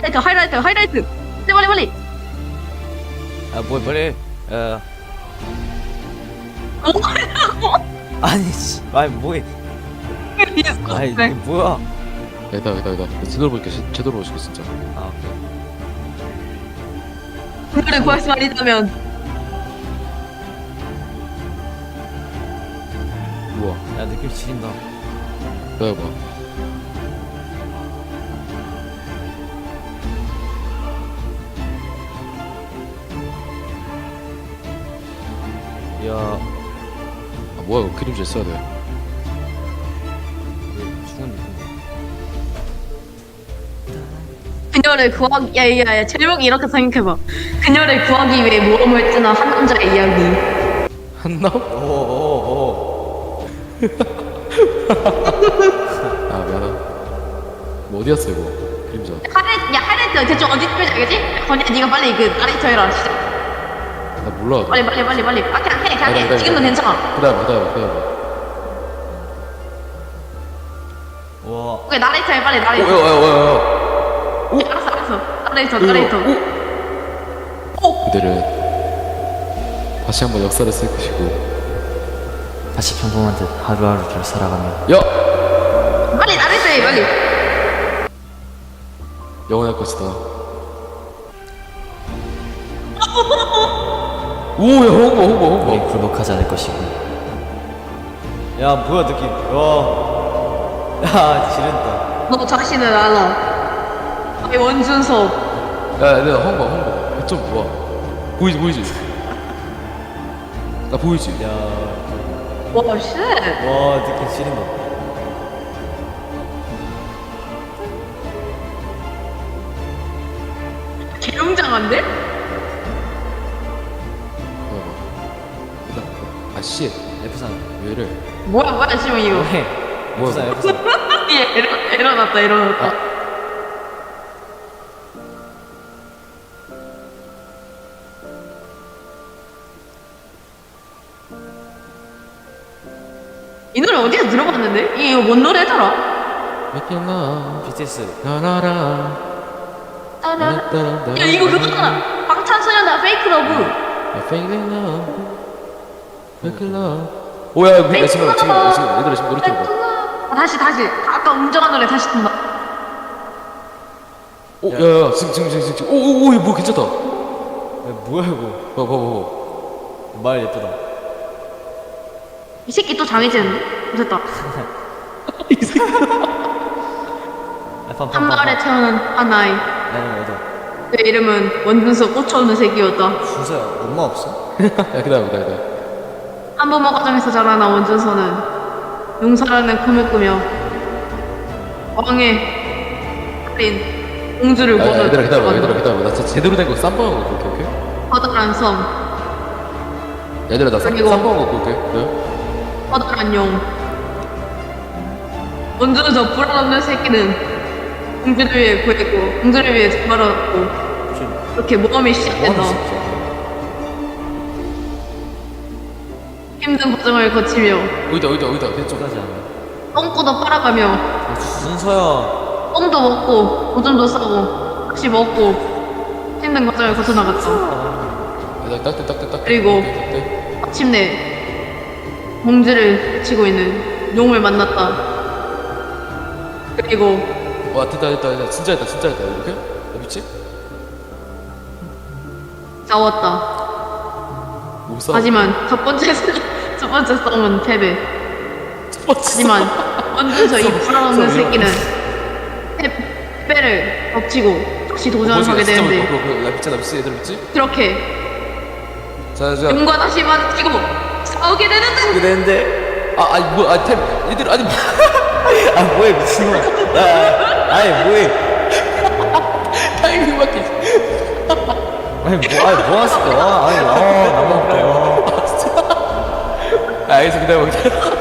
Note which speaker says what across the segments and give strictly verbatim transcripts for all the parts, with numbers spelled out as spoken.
Speaker 1: 하이라이트 하이라이트 하이라이트. 빨리 빨리 빨리.
Speaker 2: 아 뭐야 빨리. 어.
Speaker 1: 뭐하냐고.
Speaker 2: 아니 씨. 아니 뭐해. 아니 이게 뭐야.
Speaker 3: 여기다 여기다 여기다 제대로 볼게. 제- 제대로 보시고 진짜.
Speaker 2: 아 오케이.
Speaker 1: 그거를 구할 수 아니다면
Speaker 3: 우와.
Speaker 2: 야 느낌 지린다.
Speaker 3: 기다려봐.
Speaker 2: 야
Speaker 3: 아 뭐야 이거 그림자 써야 돼.
Speaker 2: 이게 죽은 느낌.
Speaker 1: 그녀를 구하기 야야야 제목이 이렇게 생각해봐. 그녀를 구하기 위해 모험을 뜨는 한 남자의 이야기.
Speaker 3: 한남?
Speaker 2: 오오오.
Speaker 3: 아 미안하다. 뭐 어디였어 이거? 그림자.
Speaker 1: 하이라이트 야 하이라이트 대충 어디 찍을지 알겠지? 건이야 네가 빨리 그 나레이터 해라. 시작.
Speaker 3: 나 몰라.
Speaker 1: 빨리 빨리 빨리 빨리. 아 그냥 해 그냥
Speaker 3: 기다려,
Speaker 1: 해.
Speaker 3: 기다려,
Speaker 1: 지금도
Speaker 3: 기다려.
Speaker 1: 괜찮아.
Speaker 3: 기다려봐 기다려봐 기다려봐.
Speaker 2: 와.
Speaker 1: 오케이 나레이터 해 빨리 나레이터.
Speaker 3: 오야야야야.
Speaker 1: 알았어 알았어. 나레이터 나레이터.
Speaker 3: 그들은 다시 한번 역사를 쓸 것이고.
Speaker 2: 다시 평범한 듯 하루하루를 살아가며.
Speaker 3: 야!
Speaker 1: 빨리 나레이터 해 빨리.
Speaker 3: 영원할 것이다. 오야 홍보 홍보
Speaker 2: 우리
Speaker 3: 홍보.
Speaker 2: 굴복하지 않을 것이고. 야 뭐야 느낌. 와. 야 지른다.
Speaker 1: 너 자신을 알아. 아이 원준섭.
Speaker 3: 야 내가 홍보 홍보. 좀 좋아. 보이지 보이지. 나 보이지.
Speaker 2: 야.
Speaker 1: 와 쉣.
Speaker 2: 와 느낌 지린다.
Speaker 1: 개웅장한데?
Speaker 3: 아씨
Speaker 2: 에프 삼.
Speaker 3: 왜를?
Speaker 1: 뭐야 뭐야 지금 이거.
Speaker 2: 뭐해? 에프 삼 에프 삼.
Speaker 1: 얘 에러 에러 났다 에러 났다.
Speaker 3: 아.
Speaker 1: 이 노래 어디서 들어봤는데? 이게 이거 뭔 노래더라?
Speaker 3: 맥힐라
Speaker 2: 비티에스.
Speaker 3: 나나라.
Speaker 1: 따라. 야 이거 그거잖아. 방탄소년단 페이크 러브.
Speaker 3: 맥힐라 맥힐라. 오야 이거 지금 지금 지금 얘들아 지금 노래 들어봐.
Speaker 1: 아, 다시 다시. 아까 웅장한 노래 다시 든다.
Speaker 3: 오 야야 지금 지금 지금 지금 오오오 이거 뭐 괜찮다.
Speaker 2: 야 뭐야 이거.
Speaker 3: 봐봐 봐봐.
Speaker 2: 말 예쁘다.
Speaker 1: 이 새끼 또 장애진. 됐다. 한 마을에 태어난 한 아이.
Speaker 2: 나는 어디?
Speaker 1: 그 이름은 원준석 꽂혀오는 새끼였다.
Speaker 2: 준서야 엄마 없어?
Speaker 3: 야 기다려 기다려 기다려.
Speaker 1: 한부모 가정에서 자라난 원준서는 용사라는 꿈을 꾸며 왕의 딸인 공주를
Speaker 3: 야, 야,
Speaker 1: 보는
Speaker 3: 얘들아 기다려봐 얘들아 기다려봐. 나 진짜 제대로 된 거 쌈방한 거 볼게 오케이?
Speaker 1: 커다란 섬,
Speaker 3: 얘들아 나 쌈-
Speaker 1: 그리고-
Speaker 3: 쌈방한 거 볼게. 네?
Speaker 1: 커다란 용. 원준서 불안없는 새끼는 공주를 위해 구했고 공주를 위해 말았고
Speaker 2: 무슨
Speaker 1: 그렇게 모험이 시작된다.
Speaker 2: 뭐하는 새끼야?
Speaker 1: 힘든 과정을 거치며
Speaker 3: 어디다 어디다 어디다 됐죠?
Speaker 2: 끝까지 안 해.
Speaker 1: 똥꼬도 빨아가며
Speaker 2: 아, 준서야.
Speaker 1: 똥도 먹고 오줌도 싸고 다시 먹고 힘든 과정을 거쳐 나갔다.
Speaker 3: 야 딱대 딱대 딱대.
Speaker 1: 그리고-
Speaker 3: 딱대.
Speaker 1: 마침내 공주를 치고 있는 용을 만났다. 그리고
Speaker 3: 와 됐다 됐다 됐다 진짜 됐다 진짜 됐다 이렇게? 야 미치?
Speaker 1: 싸웠다.
Speaker 3: 못 싸워.
Speaker 1: 하지만 첫 번째 싸- 첫 번째 싸움은 패배.
Speaker 3: 첫 번째
Speaker 1: 하지만 원준서 이 불안없는
Speaker 3: 싸움
Speaker 1: 새끼는 패- 패배를 덮치고 다시 도전을 하게
Speaker 3: 진짜
Speaker 1: 되는데
Speaker 3: 그거 그거 나 미치 나 미치 얘들 미치?
Speaker 1: 그렇게
Speaker 3: 자자
Speaker 1: 용과 다시 마주치고 싸우게 되는데
Speaker 2: 이게 되는데.
Speaker 3: 아 아니 뭐아템 얘들 아니 뭐-
Speaker 2: 아 뭐해 미친놈아. 야, 아니 뭐해.
Speaker 3: 타이밍 맞게.
Speaker 2: 아니 뭐 아니 뭐 했을 거야? 아니 아 나만 그래.
Speaker 3: 아 알겠어 기다려 기다려.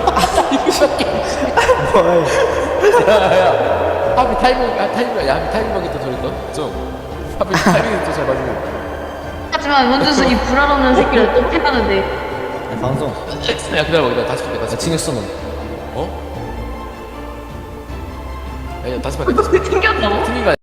Speaker 2: 뭐해.
Speaker 3: 야야 하비 타이밍 아 타이밍 야 하비 타이밍 맞게 또 저랬다. 좀 하비 타이밍 또잘 맞는.
Speaker 1: 하지만 원준서 이 불안없는 새끼를 또 패하는데
Speaker 2: 야, 방송.
Speaker 3: 야 기다려봐 기다려 다시 볼게 다시.
Speaker 2: 야 징했어 너.
Speaker 3: 어? 야, 야 다시 볼게 다시 볼게.
Speaker 1: 튕겼다고?
Speaker 3: 튕긴 거 아니야?